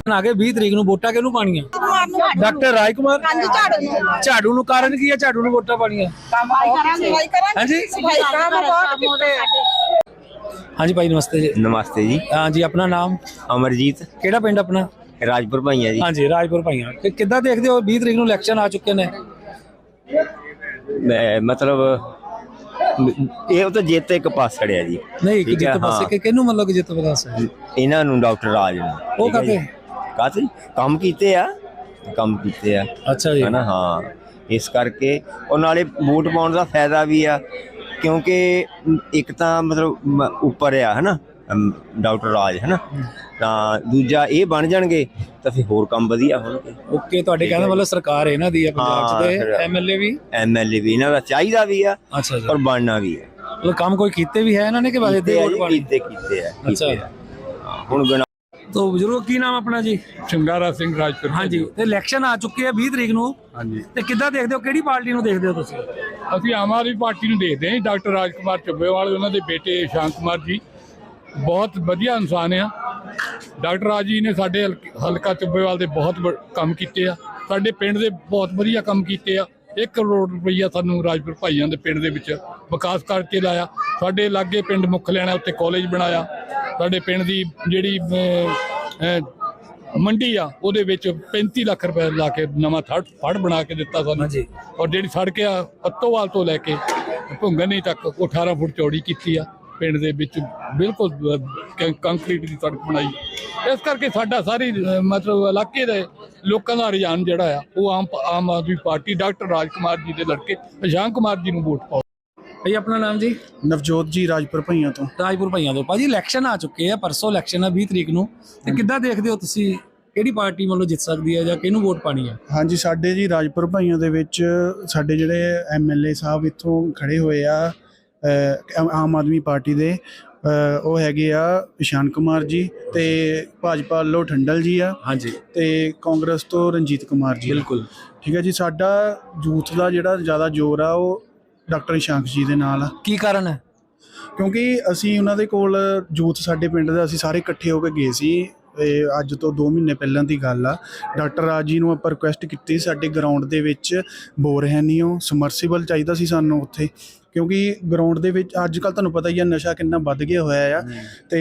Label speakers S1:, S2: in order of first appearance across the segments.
S1: ਆ ਗਏ 20 ਤਰੀਕ ਨੂੰ ਵੋਟਾਂ ਕਿਹਨੂੰ ਪਾਣੀਆਂ? ਡਾਕਟਰ ਰਾਜ ਕੁਮਾਰ ਝਾੜੂ ਨੂੰ। ਕਾਰਨ ਕੀ ਹੈ ਝਾੜੂ ਨੂੰ ਵੋਟਾਂ ਪਾਣੀਆਂ? ਹਾਂਜੀ ਹਾਂਜੀ ਭਾਈ ਨਮਸਤੇ ਜੀ।
S2: नमस्ते जी।
S1: हाँ जी अपना नाम?
S2: अमरजीत।
S1: ਕਿਹੜਾ ਪਿੰਡ ਆਪਣਾ?
S2: राजपुर भाइया जी।
S1: ਹਾਂਜੀ ਰਾਜਪੁਰ ਭਾਈਆਂ। ਤੇ ਕਿੱਦਾਂ ਦੇਖਦੇ ਹੋ 20 ਤਰੀਕ ਨੂੰ ਇਲੈਕਸ਼ਨ ਆ ਚੁੱਕੇ ਨੇ?
S2: मतलब ਇਹ ਤਾਂ ਜਿੱਤ ਇੱਕ ਪਾਸ ਖੜਿਆ ਜੀ।
S1: ਨਹੀਂ ਕਿ ਜਿੱਤ ਪਾਸੇ ਕਿ ਕਿਹਨੂੰ ਮਤਲਬ ਕਿ ਜਿੱਤ ਪਾਸ ਹੈ
S2: ਇਹਨਾਂ ਨੂੰ ਡਾਕਟਰ ਰਾਜ ਨੂੰ।
S1: ਉਹ ਕਾਤੇ
S2: ਕੰਮ ਕੀਤੇ ਆ
S1: ਅੱਛਾ ਜੀ
S2: ਹਨਾ। ਹਾਂ ਇਸ ਕਰਕੇ ਉਹ ਨਾਲੇ ਵੋਟ ਪਾਉਣ ਦਾ ਫਾਇਦਾ ਵੀ ਆ ਕਿਉਂਕਿ ਇੱਕ ਤਾਂ ਮਤਲਬ ਉੱਪਰ ਆ ਹਨਾ ਡਾਕਟਰ ਰਾਜ ਹਨਾ, ਤਾਂ ਦੂਜਾ ਇਹ ਬਣ ਜਾਣਗੇ ਤਾਂ ਫਿਰ ਹੋਰ ਕੰਮ ਵਧੀਆ ਹੋਣਗੇ।
S1: ਓਕੇ ਤੁਹਾਡੇ ਕਹਿੰਦਾ ਮਤਲਬ ਸਰਕਾਰ ਇਹਨਾਂ ਦੀ ਆ ਪੰਜਾਬ 'ਚ ਤੇ ਐਮਐਲਏ ਵੀ
S2: ਇਹਨਾਂ ਦਾ ਚਾਹੀਦਾ ਵੀ ਆ।
S1: ਅੱਛਾ ਜੀ
S2: ਔਰ ਬਣਨਾ ਵੀ ਹੈ।
S1: ਮਤਲਬ ਕੰਮ ਕੋਈ ਕੀਤੇ ਵੀ ਹੈ ਇਹਨਾਂ ਨੇ ਕਿ ਬਾਅਦ ਦੇ ਵੋਟ ਪਾਣੀ
S2: ਕੀਤੇ ਆ।
S1: ਅੱਛਾ
S2: ਹੁਣ
S1: तो ਬਜ਼ੁਰਗੋ ਕੀ ਨਾਮ ਆਪਣਾ ਜੀ?
S3: ਚੰਗਾਰਾ ਸਿੰਘ ਰਾਜਪੁਰ।
S1: ਹਾਂਜੀ ਤੇ ਇਲੈਕਸ਼ਨ ਆ ਚੁੱਕੇ ਆ 20 ਤਰੀਕ ਨੂੰ।
S3: ਹਾਂਜੀ
S1: ਤੇ ਕਿੱਦਾਂ ਦੇਖਦੇ ਹੋ ਕਿਹੜੀ ਪਾਰਟੀ ਨੂੰ ਦੇਖਦੇ ਹੋ ਤੁਸੀਂ?
S3: ਅਸੀਂ ਆਮ ਆਦਮੀ ਪਾਰਟੀ ਨੂੰ ਦੇਖਦੇ ਹਾਂ। ਡਾਕਟਰ ਰਾਜ ਕੁਮਾਰ ਚੱਬੇਵਾਲ ਉਹਨਾਂ ਦੇ ਬੇਟੇ ਸ਼ਾਂਤ ਕੁਮਾਰ ਜੀ ਬਹੁਤ ਵਧੀਆ ਇਨਸਾਨ ਆ। ਡਾਕਟਰ ਰਾਜ ਜੀ ਨੇ ਸਾਡੇ ਹਲਕਾ ਚੱਬੇਵਾਲ ਦੇ ਬਹੁਤ ਕੰਮ ਕੀਤੇ ਆ। ਸਾਡੇ ਪਿੰਡ ਦੇ ਬਹੁਤ ਵਧੀਆ ਕੰਮ ਕੀਤੇ ਆ। 1 ਕਰੋੜ ਰੁਪਈਆ ਸਾਨੂੰ ਰਾਜਪੁਰ ਭਾਈਆਂ ਦੇ ਪਿੰਡ ਦੇ ਵਿੱਚ ਵਿਕਾਸ ਕਰਕੇ ਲਾਇਆ। ਸਾਡੇ ਲਾਗੇ ਪਿੰਡ ਮੁੱਖ ਲੈਣਾ ਉੱਤੇ ਕਾਲਜ ਬਣਾਇਆ। ਸਾਡੇ ਪਿੰਡ ਦੀ ਜਿਹੜੀ ਮੰਡੀ ਆ ਉਹਦੇ ਵਿੱਚ 35 ਲੱਖ ਰੁਪਏ ਲਾ ਕੇ ਨਵਾਂ ਫੜ ਬਣਾ ਕੇ ਦਿੱਤਾ ਸਾਨੂੰ। ਔਰ ਜਿਹੜੀ ਸੜਕ ਆ ਅੱਤੋਵਾਲ ਤੋਂ ਲੈ ਕੇ ਭੁੰਗਨੀ ਤੱਕ ਉਹ 18 ਫੁੱਟ ਚੌੜੀ ਕੀਤੀ ਆ। ਪਿੰਡ ਦੇ ਵਿੱਚ ਬਿਲਕੁਲ ਕੰਕਰੀਟ ਦੀ ਸੜਕ ਬਣਾਈ। ਇਸ ਕਰਕੇ ਸਾਡਾ ਸਾਰੀ ਮਤਲਬ ਇਲਾਕੇ ਦੇ ਲੋਕਾਂ ਦਾ ਰੁਝਾਨ ਜਿਹੜਾ ਆ ਉਹ ਆਮ ਆਦਮੀ ਪਾਰਟੀ ਡਾਕਟਰ ਰਾਜ ਕੁਮਾਰ ਜੀ ਦੇ ਲੜਕੇ ਸ਼ਾਂਤ ਕੁਮਾਰ ਜੀ ਨੂੰ ਵੋਟ ਪਾਓ।
S1: ਭਾਈ ਆਪਣਾ ਨਾਮ ਜੀ?
S4: ਨਵਜੋਤ ਜੀ ਰਾਜਪੁਰ ਭਾਈਆਂ ਤੋਂ।
S1: ਰਾਜਪੁਰ ਭਾਈਆਂ ਤੋਂ। ਭਾਜੀ ਇਲੈਕਸ਼ਨ ਆ ਚੁੱਕੇ ਆ, ਪਰਸੋਂ ਇਲੈਕਸ਼ਨ ਆ 20 ਤਰੀਕ ਨੂੰ, ਤੇ ਕਿੱਦਾਂ ਦੇਖਦੇ ਹੋ ਤੁਸੀਂ ਕਿਹੜੀ ਪਾਰਟੀ ਮਤਲਬ ਜਿੱਤ ਸਕਦੀ ਹੈ ਜਾਂ ਕਿਹਨੂੰ ਵੋਟ ਪਾਣੀ ਹੈ?
S4: ਹਾਂਜੀ ਸਾਡੇ ਜੀ ਰਾਜਪੁਰ ਭਾਈਆਂ ਦੇ ਵਿੱਚ ਸਾਡੇ ਜਿਹੜੇ ਐਮਐਲਏ ਸਾਹਿਬ ਇੱਥੋਂ ਖੜੇ ਹੋਏ ਆ ਆਮ ਆਦਮੀ ਪਾਰਟੀ ਦੇ, ਉਹ ਹੈਗੇ ਆ ਸ਼ਾਂਤ ਕੁਮਾਰ ਜੀ ਤੇ ਭਾਜਪਾ ਵੱਲੋਂ ਠੰਡਲ ਜੀ ਆ।
S1: ਹਾਂਜੀ
S4: ਤੇ ਕਾਂਗਰਸ ਤੋਂ ਰਣਜੀਤ ਕੁਮਾਰ ਜੀ।
S1: ਬਿਲਕੁਲ
S4: ਠੀਕ ਹੈ ਜੀ। ਸਾਡਾ ਯੂਥ ਦਾ ਜਿਹੜਾ ਜ਼ਿਆਦਾ ਜ਼ੋਰ ਆ ਉਹ ਡਾਕਟਰ ਸ਼ਾਂਤ ਜੀ ਦੇ ਨਾਲ ਆ।
S1: ਕੀ ਕਾਰਨ ਹੈ?
S4: ਕਿਉਂਕਿ ਅਸੀਂ ਉਹਨਾਂ ਦੇ ਕੋਲ ਯੂਥ ਸਾਡੇ ਪਿੰਡ ਦਾ ਅਸੀਂ ਸਾਰੇ ਇਕੱਠੇ ਹੋ ਕੇ ਗਏ ਸੀ। ਅੱਜ ਤੋਂ 2 ਮਹੀਨੇ ਪਹਿਲਾਂ ਦੀ ਗੱਲ ਆ। ਡਾਕਟਰ ਰਾਜ ਜੀ ਨੂੰ ਆਪਾਂ ਰਿਕੁਐਸਟ ਕੀਤੀ ਸਾਡੇ ਗਰਾਊਂਡ ਦੇ ਵਿੱਚ ਬੋਰ ਹੈ ਨਹੀਂ, ਉਹ ਸਮਰਸੀਬਲ ਚਾਹੀਦਾ ਸੀ ਸਾਨੂੰ ਉੱਥੇ, ਕਿਉਂਕਿ ਗਰਾਊਂਡ ਦੇ ਵਿੱਚ ਅੱਜ ਕੱਲ੍ਹ ਤੁਹਾਨੂੰ ਪਤਾ ਹੀ ਆ ਨਸ਼ਾ ਕਿੰਨਾ ਵੱਧ ਗਿਆ ਹੋਇਆ ਆ। ਤੇ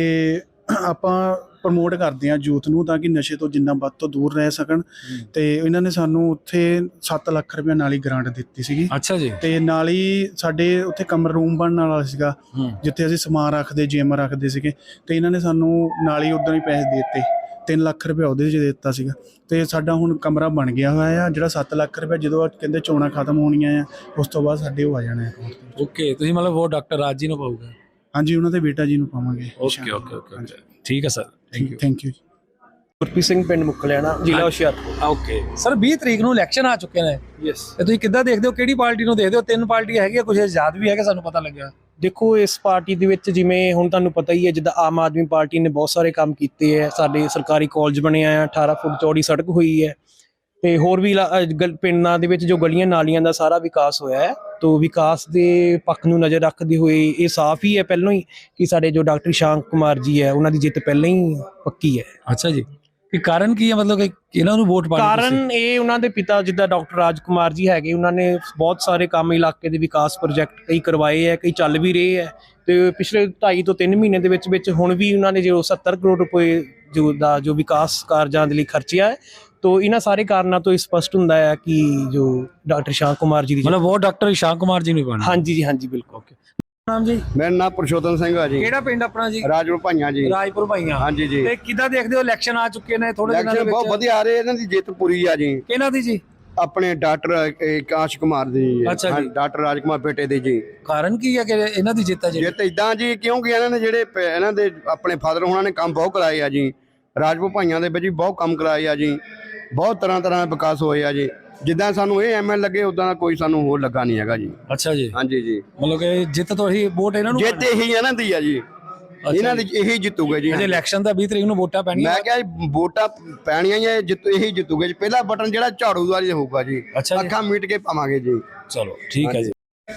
S4: ਆਪਾਂ ਪ੍ਰਮੋਟ ਕਰਦੇ ਹਾਂ ਯੂਥ ਨੂੰ ਤਾਂ ਕਿ ਨਸ਼ੇ ਤੋਂ ਜਿੰਨਾ ਵੱਧ ਤੋਂ ਦੂਰ ਰਹਿ ਸਕਣ। ਤੇ ਇਹਨਾਂ ਨੇ ਸਾਨੂੰ ਉੱਥੇ 7 ਲੱਖ ਰੁਪਏ ਨਾਲ ਹੀ ਗ੍ਰਾਂਟ ਦਿੱਤੀ ਸੀਗੀ।
S1: ਅੱਛਾ ਜੀ।
S4: ਤੇ ਨਾਲ ਹੀ ਸਾਡੇ ਉੱਥੇ ਕਮਰਾ ਰੂਮ ਬਣਨ ਵਾਲਾ ਸੀਗਾ ਜਿੱਥੇ ਅਸੀਂ ਸਮਾਨ ਰੱਖਦੇ ਜਿਮ ਰੱਖਦੇ ਸੀਗੇ। ਤੇ ਇਹਨਾਂ ਨੇ ਸਾਨੂੰ ਨਾਲ ਹੀ ਉਦਾਂ ਹੀ ਪੈਸੇ ਦੇ ਦਿੱਤੇ। 3 ਲੱਖ ਰੁਪਏ ਉਹਦੇ 'ਚ ਦੇ ਦਿੱਤਾ ਸੀਗਾ। ਤੇ ਸਾਡਾ ਹੁਣ ਕਮਰਾ ਬਣ ਗਿਆ ਹੋਇਆ ਆ। ਜਿਹੜਾ 7 ਲੱਖ ਰੁਪਏ ਜਦੋਂ ਕਹਿੰਦੇ ਚੋਣਾਂ ਖਤਮ ਹੋਣੀਆਂ ਆ ਉਸ ਤੋਂ ਬਾਅਦ ਸਾਡੇ ਉਹ ਆ ਜਾਣਾ।
S1: ਓਕੇ ਤੁਸੀਂ ਮਤਲਬ ਵੋਟ ਡਾਕਟਰ ਰਾਜ ਜੀ ਨੂੰ ਪਾਓਗੇ?
S4: ਹਾਂਜੀ ਉਹਨਾਂ ਦੇ ਬੇਟਾ ਜੀ ਨੂੰ ਪਾਵਾਂਗੇ।
S1: ਓਕੇ ਓਕੇ ਓਕੇ ਠੀਕ ਹੈ sir.
S4: Thank you.
S5: Gurpreet Singh ਪਿੰਡ ਮੁੱਖਲਿਆਣਾ ਜ਼ਿਲ੍ਹਾ ਹੁਸ਼ਿਆਰਪੁਰ।
S1: ਓਕੇ ਸਰ 20 ਤਰੀਕ ਨੂੰ ਇਲੈਕਸ਼ਨ ਆ ਚੁੱਕੇ ਨੇ।
S5: ਯੈਸ।
S1: ਤੇ ਤੁਸੀਂ ਕਿੱਦਾਂ ਦੇਖਦੇ ਹੋ ਕਿਹੜੀ ਪਾਰਟੀ ਨੂੰ ਦੇਖਦੇ ਹੋ? 3 ਪਾਰਟੀਆਂ ਹੈਗੀਆਂ, ਕੁਝ ਆਜ਼ਾਦ ਵੀ ਹੈਗੇ ਸਾਨੂੰ ਪਤਾ ਲੱਗਿਆ।
S5: ਦੇਖੋ ਇਸ ਪਾਰਟੀ ਦੇ ਵਿੱਚ ਜਿਵੇਂ ਹੁਣ ਤੁਹਾਨੂੰ ਪਤਾ ਹੀ ਹੈ ਜਿੱਦਾਂ ਆਮ ਆਦਮੀ ਪਾਰਟੀ ਨੇ ਬਹੁਤ ਸਾਰੇ ਕੰਮ ਕੀਤੇ ਹੈ। ਸਾਡੇ ਸਰਕਾਰੀ ਕਾਲਜ ਬਣਿਆ ਆ, 18 ਫੁੱਟ ਚੌੜੀ ਸੜਕ ਹੋਈ ਹੈ ਤੇ ਹੋਰ ਵੀ ਪਿੰਡਾਂ ਦੇ ਵਿੱਚ ਜੋ ਗਲੀਆਂ ਨਾਲੀਆਂ ਦਾ ਸਾਰਾ ਵਿਕਾਸ ਹੋਇਆ ਹੈ। ਤੋ ਵਿਕਾਸ ਦੇ ਪੱਖ ਨੂੰ ਨਜ਼ਰ ਰੱਖਦੇ ਹੋਏ ਇਹ ਸਾਫ਼ ਹੀ ਹੈ ਪਹਿਲਾਂ ਹੀ ਕਿ ਸਾਡੇ ਜੋ ਡਾਕਟਰ ਸ਼ਾਂਤ ਕੁਮਾਰ ਜੀ ਹੈ ਉਹਨਾਂ ਦੀ ਜਿੱਤ ਪਹਿਲਾਂ ਹੀ ਪੱਕੀ ਹੈ।
S1: ਅੱਛਾ ਜੀ। ਕਿ ਕਾਰਨ ਕੀ ਹੈ ਮਤਲਬ ਕਿ ਇਹਨਾਂ ਨੂੰ ਵੋਟ ਪਾਣੀ?
S5: ਕਾਰਨ ਇਹ ਉਹਨਾਂ ਦੇ ਪਿਤਾ ਜਿੱਦਾਂ ਡਾਕਟਰ ਰਾਜ ਕੁਮਾਰ ਜੀ ਹੈਗੇ, ਉਹਨਾਂ ਨੇ ਬਹੁਤ ਸਾਰੇ ਕੰਮ ਇਲਾਕੇ ਦੇ ਵਿਕਾਸ ਪ੍ਰੋਜੈਕਟ ਕਈ ਕਰਵਾਏ ਹੈ, ਕਈ ਚੱਲ ਵੀ ਰਹੇ ਹੈ। ਤੇ ਪਿਛਲੇ 2.5 ਤੋਂ 3 ਮਹੀਨੇ ਦੇ ਵਿੱਚ ਹੁਣ ਵੀ ਉਹਨਾਂ ਨੇ ਜੋ 70 ਕਰੋੜ ਰੁਪਏ ਜੋ ਵਿਕਾਸ ਕਾਰਜਾਂ ਦੇ ਲਈ ਖਰਚਿਆ ਹੈ। ਤੋ ਇਹਨਾਂ ਸਾਰੇ ਕਾਰਨਾਂ ਤੋਂ ਸਪਸ਼ਟ ਹੁੰਦਾ ਹੈ ਕਿ ਜੋ ਡਾਕਟਰ ਸ਼ਾਂਤ ਕੁਮਾਰ ਜੀ ਦੀ
S1: ਮਤਲਬ ਵੋਟ ਡਾਕਟਰ ਸ਼ਾਂਤ ਕੁਮਾਰ ਜੀ ਨੂੰ ਪਾਣੀ?
S5: ਹਾਂਜੀ ਜੀ ਹਾਂਜੀ ਬਿਲਕੁਲ।
S1: ਨਾਮ ਜੀ?
S6: ਮੇਰਾ ਨਾਮ ਪੁਰਸ਼ੋਤਮ ਸਿੰਘ ਆ ਜੀ।
S1: ਕਿਹੜਾ ਪਿੰਡ ਆਪਣਾ ਜੀ?
S6: ਰਾਜਪੁਰ ਭਾਈਆਂ ਜੀ।
S1: ਰਾਜਪੁਰ ਭਾਈਆਂ।
S6: ਹਾਂਜੀ ਜੀ।
S1: ਤੇ ਕਿੱਦਾਂ ਦੇਖਦੇ ਹੋ ਇਲੈਕਸ਼ਨ ਆ ਚੁੱਕੇ ਨੇ ਥੋੜੇ ਦਿਨਾਂ ਦੇ ਵਿੱਚ?
S6: ਬਹੁਤ ਵਧੀਆ ਆ ਰਹੇ। ਇਹਨਾਂ ਦੀ ਜਿੱਤ ਪੂਰੀ ਆ ਜੀ।
S1: ਕਿਹਨਾਂ ਦੀ ਜੀ?
S6: ਆਪਣੇ ਡਾਕਟਰ ਆਕਾਸ਼ ਕੁਮਾਰ ਦੀ।
S1: ਅੱਛਾ ਜੀ।
S6: ਡਾਕਟਰ ਰਾਜ ਕੁਮਾਰ ਬੇਟੇ ਦੇ ਜੀ।
S1: ਕਾਰਨ ਕੀ ਹੈ ਕਿ ਇਹਨਾਂ ਦੀ ਜਿੱਤ ਹੈ ਜੀ?
S6: ਜਿੱਤ ਇਦਾਂ ਜੀ ਕਿਉਂਕਿ ਇਹਨਾਂ ਨੇ ਜਿਹੜੇ ਇਹਨਾਂ ਦੇ ਆਪਣੇ ਫਾਦਰ ਹੋਣਾ ਨੇ ਕੰਮ ਬਹੁਤ ਕਰਾਏ ਆ ਜੀ। ਰਾਜਪੁਰ ਭਾਈਆਂ ਦੇ ਵਿੱਚ ਵੀ ਬਹੁਤ ਕੰਮ ਕਰਾਏ ਆ ਜੀ। ਬਹੁਤ ਤਰ੍ਹਾਂ ਦੇ ਵਿਕਾਸ ਹੋਏ ਆ ਜੀ। ਜਿੱਦਾਂ ਸਾਨੂੰ ਇਹ ਐਮਐਲ ਲੱਗੇ ਉਦਾਂ ਦਾ ਕੋਈ ਸਾਨੂੰ ਹੋਰ ਲੱਗਾ ਨਹੀਂ ਹੈਗਾ ਜੀ।
S1: ਅੱਛਾ ਜੀ।
S6: ਹਾਂਜੀ ਜੀ।
S1: ਮਤਲਬ ਕਿ ਜਿੱਤ ਤੋਂ ਹੀ ਵੋਟ ਇਹਨਾਂ ਨੂੰ?
S6: ਜਿੱਤ ਇਹੀ ਇਹਨਾਂ ਦੀ ਆ ਜੀ। ਇਹਨਾਂ ਦੀ ਇਹੀ ਜਿੱਤੂਗੇ ਜੀ।
S1: ਇਲੈਕਸ਼ਨ ਦਾ 20 ਤਰੀਕ ਨੂੰ ਵੋਟਾਂ ਪੈਣੀਆਂ।
S6: ਮੈਂ ਕਿਹਾ ਵੋਟਾਂ ਪੈਣੀਆਂ ਹੀ ਇਹੀ ਜਿੱਤੂਗੇ ਜੀ। ਪਹਿਲਾ ਬਟਨ ਜਿਹੜਾ ਝਾੜੂ ਵਾਲੀ ਹੋਊਗਾ ਜੀ। ਅੱਖਾਂ ਮੀਟ ਕੇ ਪਾਵਾਂਗੇ ਜੀ।
S1: ਚਲੋ ਠੀਕ ਹੈ ਜੀ।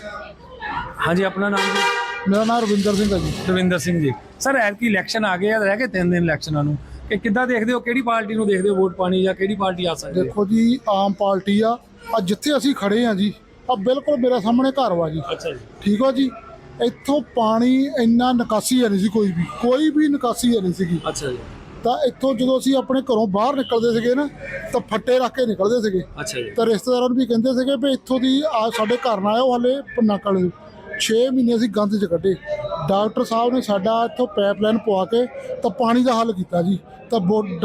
S1: ਹਾਂਜੀ ਆਪਣਾ ਨਾਮ ਜੀ?
S4: ਮੇਰਾ ਨਾਮ ਰਵਿੰਦਰ ਸਿੰਘ ਹੈ ਜੀ।
S1: ਰਵਿੰਦਰ ਸਿੰਘ ਜੀ। ਸਰ ਐਤਕੀ ਇਲੈਕਸ਼ਨ ਆ ਗਏ ਆ, ਰਹਿ ਗਏ 3 ਦਿਨ ਇਲੈਕਸ਼ਨਾਂ ਨੂੰ, ਕਿ ਕਿੱਦਾਂ ਦੇਖਦੇ ਹੋ, ਕਿਹੜੀ ਪਾਰਟੀ ਨੂੰ ਦੇਖਦੇ ਹੋ ਵੋਟ ਪਾਣੀ, ਜਾਂ ਕਿਹੜੀ ਪਾਰਟੀ ਆ ਸਕਦੀ ਹੈ?
S7: ਦੇਖੋ ਜੀ, ਆਮ ਪਾਰਟੀ ਆ ਜਿੱਥੇ ਅਸੀਂ ਖੜੇ ਆ ਜੀ, ਆ ਬਿਲਕੁਲ ਮੇਰੇ ਸਾਹਮਣੇ ਘਰ ਵਾ ਜੀ।
S1: ਅੱਛਾ ਜੀ।
S7: ਠੀਕ ਆ ਜੀ, ਇੱਥੋਂ ਪਾਣੀ ਇੰਨਾ ਨਿਕਾਸੀ ਹੈ ਨਹੀਂ ਸੀ, ਕੋਈ ਵੀ ਨਿਕਾਸੀ ਹੈ ਨਹੀਂ ਸੀਗੀ।
S1: ਅੱਛਾ ਜੀ।
S7: ਤਾਂ ਇੱਥੋਂ ਜਦੋਂ ਅਸੀਂ ਆਪਣੇ ਘਰੋਂ ਬਾਹਰ ਨਿਕਲਦੇ ਸੀਗੇ ਨਾ, ਤਾਂ ਫੱਟੇ ਰੱਖ ਕੇ ਨਿਕਲਦੇ ਸੀਗੇ।
S1: ਅੱਛਾ ਜੀ।
S7: ਤਾਂ ਰਿਸ਼ਤੇਦਾਰਾਂ ਨੂੰ ਵੀ ਕਹਿੰਦੇ ਸੀਗੇ ਵੀ ਇੱਥੋਂ ਦੀ ਆ ਸਾਡੇ ਘਰ ਨਾ ਆਇਓ, ਹਾਲੇ ਨਕਲ 6 ਮਹੀਨੇ ਅਸੀਂ ਗੰਦ 'ਚ ਕੱਢੇ। ਡਾਕਟਰ ਸਾਹਿਬ ਨੇ ਸਾਡਾ ਇੱਥੋਂ ਪਾਈਪਲਾਈਨ ਪਵਾ ਕੇ ਤਾਂ ਪਾਣੀ ਦਾ ਹੱਲ ਕੀਤਾ ਜੀ। ਤਾਂ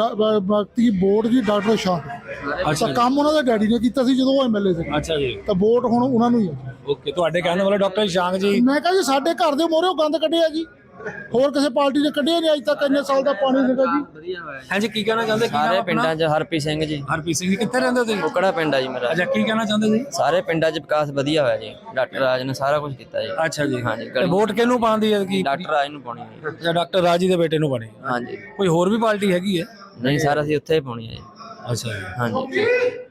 S7: ਬੋਰਡ ਜੀ ਡਾਕਟਰ ਸ਼ਾਹ, ਤਾਂ ਕੰਮ ਉਹਨਾਂ ਦੇ ਡੈਡੀ ਨੇ ਕੀਤਾ ਸੀ ਜਦੋਂ ਉਹ ਐਮਐਲਏ ਸੀ।
S1: ਅੱਛਾ ਜੀ।
S7: ਤਾਂ ਵੋਟ ਹੁਣ ਉਹਨਾਂ ਨੂੰ ਹੀ ਹੈ।
S1: ਓਕੇ, ਤੁਹਾਡੇ ਕਹਿਣ ਵਾਲਾ ਡਾਕਟਰ ਸ਼ਾਂਗ ਜੀ।
S7: ਮੈਂ ਕਿਹਾ ਜੀ ਸਾਡੇ ਘਰ ਦੇ ਮੋਹਰੇ ਗੰਦ ਕੱਢਿਆ ਜੀ, ਹੋਰ ਕਿਸੇ ਪਾਰਟੀ ਨੇ ਕੱਢਿਆ ਨਹੀਂ ਅੱਜ ਤੱਕ, ਇੰਨੇ ਸਾਲ ਦਾ ਪਾਣੀ ਸੀਗਾ ਜੀ।
S1: ਹਾਂਜੀ, ਕੀ ਕਹਿਣਾ ਚਾਹੁੰਦੇ?
S8: ਸਾਰੇ ਪਿੰਡਾਂ 'ਚ ਹਰਪ੍ਰੀਤ ਸਿੰਘ ਜੀ।
S1: ਹਰਪ੍ਰੀਤ ਸਿੰਘ ਜੀ, ਕਿੱਥੇ ਰਹਿੰਦੇ ਹੋ ਤੁਸੀਂ?
S8: ਕੁਕੜਾ ਪਿੰਡ ਆ ਜੀ ਮੇਰਾ।
S1: ਅੱਛਾ, ਕੀ ਕਹਿਣਾ ਚਾਹੁੰਦੇ ਸੀ?
S8: ਸਾਰੇ ਪਿੰਡਾਂ 'ਚ ਵਿਕਾਸ ਵਧੀਆ ਹੋਇਆ ਜੀ, ਡਾਕਟਰ ਰਾਜ ਨੇ ਸਾਰਾ ਕੁਝ ਕੀਤਾ ਜੀ।
S1: ਅੱਛਾ ਜੀ।
S8: ਹਾਂਜੀ,
S1: ਤੇ ਵੋਟ ਕਿਹਨੂੰ ਪਾਉਂਦੀ ਹੈ? ਕੀ
S8: ਡਾਕਟਰ ਰਾਜ ਨੂੰ ਪਾਉਣੀ ਹੈ ਜੀ।
S1: ਅੱਛਾ, ਡਾਕਟਰ ਰਾਜ ਜੀ ਦੇ ਬੇਟੇ ਨੂੰ ਪਾਣੀ।
S8: ਹਾਂਜੀ।
S1: ਕੋਈ ਹੋਰ ਵੀ ਪਾਰਟੀ ਹੈਗੀ ਹੈ?
S8: ਨਹੀਂ ਸਰ, ਅਸੀਂ ਉੱਥੇ ਹੀ ਪਾਉਣੀ ਹੈ ਜੀ।
S1: ਅੱਛਾ ਜੀ।
S8: ਹਾਂਜੀ।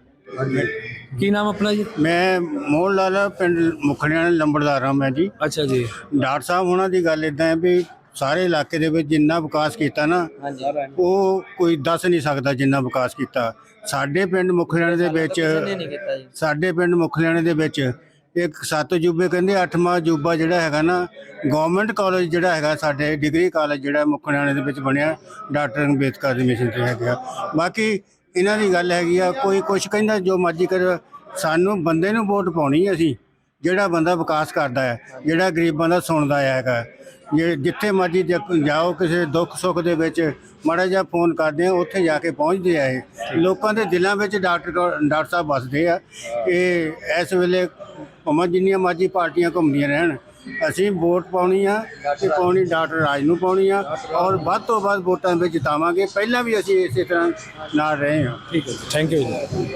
S1: ਕੀ ਨਾਮ ਆਪਣਾ ਜੀ?
S9: ਮੈਂ ਮੋਹਨ ਲਾਲ, ਪਿੰਡ ਮੁਖੜਿਆਂ ਲੰਬੜਦਾਰ ਹਾਂ ਮੈਂ ਜੀ।
S1: ਅੱਛਾ ਜੀ।
S9: ਡਾਕਟਰ ਸਾਹਿਬ ਉਹਨਾਂ ਦੀ ਗੱਲ ਇਦਾਂ ਹੈ ਵੀ ਸਾਰੇ ਇਲਾਕੇ ਦੇ ਵਿੱਚ ਜਿੰਨਾ ਵਿਕਾਸ ਕੀਤਾ ਨਾ, ਉਹ ਕੋਈ ਦੱਸ ਨਹੀਂ ਸਕਦਾ ਜਿੰਨਾ ਵਿਕਾਸ ਕੀਤਾ। ਸਾਡੇ ਪਿੰਡ ਮੁਖੜਿਆਂ ਦੇ ਵਿੱਚ,
S8: ਨਹੀਂ ਕੀਤਾ ਜੀ।
S9: ਸਾਡੇ ਪਿੰਡ ਮੁਖੜਿਆਂ ਦੇ ਵਿੱਚ ਇੱਕ 7 ਅਜੂਬੇ ਕਹਿੰਦੇ 8ਵਾਂ ਅਜੂਬਾ ਜਿਹੜਾ ਹੈਗਾ ਨਾ, ਗਵਰਨਮੈਂਟ ਕਾਲਜ ਜਿਹੜਾ ਹੈਗਾ ਸਾਡੇ ਡਿਗਰੀ ਕਾਲਜ ਜਿਹੜਾ ਮੁਖੜਿਆਂ ਦੇ ਵਿੱਚ ਬਣਿਆ, ਡਾਕਟਰ ਅੰਬੇਦਕਰ ਦੀ ਮਿਸ਼ਨ ਤੇ ਹੈਗਾ। ਬਾਕੀ ਇਹਨਾਂ ਦੀ ਗੱਲ ਹੈਗੀ ਆ, ਕੋਈ ਕੁਛ ਕਹਿੰਦਾ ਜੋ ਮਰਜ਼ੀ ਕਰ, ਸਾਨੂੰ ਬੰਦੇ ਨੂੰ ਵੋਟ ਪਾਉਣੀ ਅਸੀਂ, ਜਿਹੜਾ ਬੰਦਾ ਵਿਕਾਸ ਕਰਦਾ ਹੈ, ਜਿਹੜਾ ਗਰੀਬਾਂ ਦਾ ਸੁਣਦਾ ਹੈਗਾ। ਜਿੱਥੇ ਮਰਜ਼ੀ ਜਾਓ, ਕਿਸੇ ਦੁੱਖ ਸੁੱਖ ਦੇ ਵਿੱਚ ਮਾੜਾ ਜਿਹਾ ਫੋਨ ਕਰਦੇ ਆ, ਉੱਥੇ ਜਾ ਕੇ ਪਹੁੰਚਦੇ ਆ। ਇਹ ਲੋਕਾਂ ਦੇ ਦਿਲਾਂ ਵਿੱਚ ਡਾਕਟਰ ਸਾਹਿਬ ਵੱਸਦੇ ਆ। ਇਹ ਇਸ ਵੇਲੇ ਭਾਵੇਂ ਜਿੰਨੀਆਂ ਮਰਜ਼ੀ ਪਾਰਟੀਆਂ ਘੁੰਮਦੀਆਂ ਰਹਿਣ, ਅਸੀਂ ਵੋਟ ਪਾਉਣੀ ਆ ਤੇ ਪਾਉਣੀ ਡਾਕਟਰ ਰਾਜ ਨੂੰ ਪਾਉਣੀ ਆ, ਔਰ ਵੱਧ ਤੋਂ ਵੱਧ ਵੋਟਾਂ ਵਿੱਚ ਜਿਤਾਵਾਂਗੇ। ਪਹਿਲਾਂ ਵੀ ਅਸੀਂ ਇਸੇ ਤਰ੍ਹਾਂ ਨਾਲ ਰਹੇ ਹਾਂ।
S1: ਠੀਕ ਹੈ ਜੀ, ਥੈਂਕ ਯੂ ਜੀ।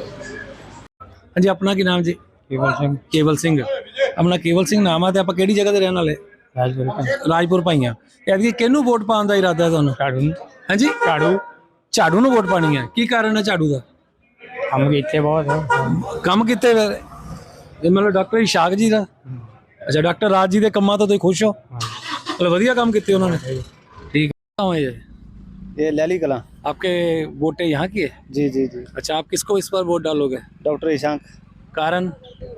S1: ਹਾਂਜੀ, ਆਪਣਾ ਕੀ ਨਾਮ ਜੀ?
S5: ਕੇਵਲ ਸਿੰਘ।
S1: ਕੇਵਲ ਸਿੰਘ। ਆਪਣਾ ਕੇਵਲ ਸਿੰਘ ਨਾਮ ਆ, ਤੇ ਆਪਾਂ ਕਿਹੜੀ ਜਗ੍ਹਾ ਤੇ ਰਹਿਣ ਵਾਲੇ? ਰਾਜਪੁਰ ਭਾਈਆਂ। ਐਤਕੀ ਕਿਹਨੂੰ ਵੋਟ ਪਾਉਣ ਦਾ ਇਰਾਦਾ ਹੈ ਤੁਹਾਨੂੰ?
S5: ਝਾੜੂ ਨੂੰ।
S1: ਹਾਂਜੀ, ਝਾੜੂ ਨੂੰ ਵੋਟ ਪਾਣੀ ਹੈ। ਕੀ ਕਾਰਨ ਹੈ ਝਾੜੂ ਦਾ?
S5: ਕੰਮ ਕੀਤੇ ਬਹੁਤ।
S1: ਕੰਮ ਕੀਤੇ ਫਿਰ ਇਹ ਮਤਲਬ ਡਾਕਟਰ ਇਸ਼ਾਕ ਜੀ ਦਾ? ਅੱਛਾ, ਡਾਕਟਰ ਰਾਜ ਜੀ ਦੇ ਕੰਮਾਂ ਤੋਂ ਤੁਸੀਂ ਖੁਸ਼ ਹੋ? ਮਤਲਬ ਵਧੀਆ ਕੰਮ ਕੀਤੇ ਉਹਨਾਂ ਨੇ। ठीक है।
S10: ये लैली कला।
S1: आपके वोटे यहाँ की है?
S10: जी जी जी।
S1: अच्छा, आप किसको इस बार वोट डालोगे?
S10: डॉक्टर ईशांक।
S1: कारण?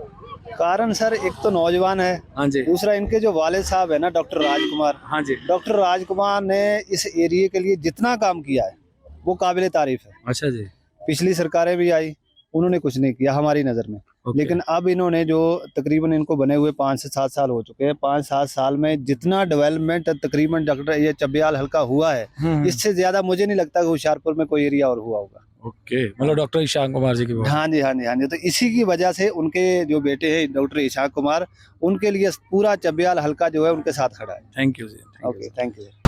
S10: कारण सर, एक तो नौजवान है,
S1: हाँ जी।
S10: दूसरा इनके जो वालिद साहब है ना, डॉक्टर राजकुमार।
S1: हाँ जी।
S10: डॉक्टर राजकुमार ने इस एरिया के लिए जितना काम किया है वो काबिल तारीफ है।
S1: अच्छा जी।
S10: पिछली सरकारें भी आई, उन्होंने कुछ नहीं किया हमारी नज़र में। लेकिन अब इन्होंने जो तकरीबन इनको बने हुए 5 से 7 साल हो चुके हैं, 5-7 साल में जितना डेवलपमेंट तकरीबन डॉक्टर ये चब्बियाल हल्का हुआ है, इससे ज्यादा मुझे नहीं लगता कि होशियारपुर में कोई एरिया और हुआ होगा।
S1: ओके, मतलब डॉक्टर ईशान कुमार जी की वोट।
S10: हाँ जी हाँ जी हाँ जी। तो इसी की वजह से उनके जो बेटे हैं डॉक्टर ईशान कुमार, उनके लिए पूरा चब्बियाल हल्का जो है उनके साथ खड़ा है।
S1: Thank you ji.
S10: Okay, thank you.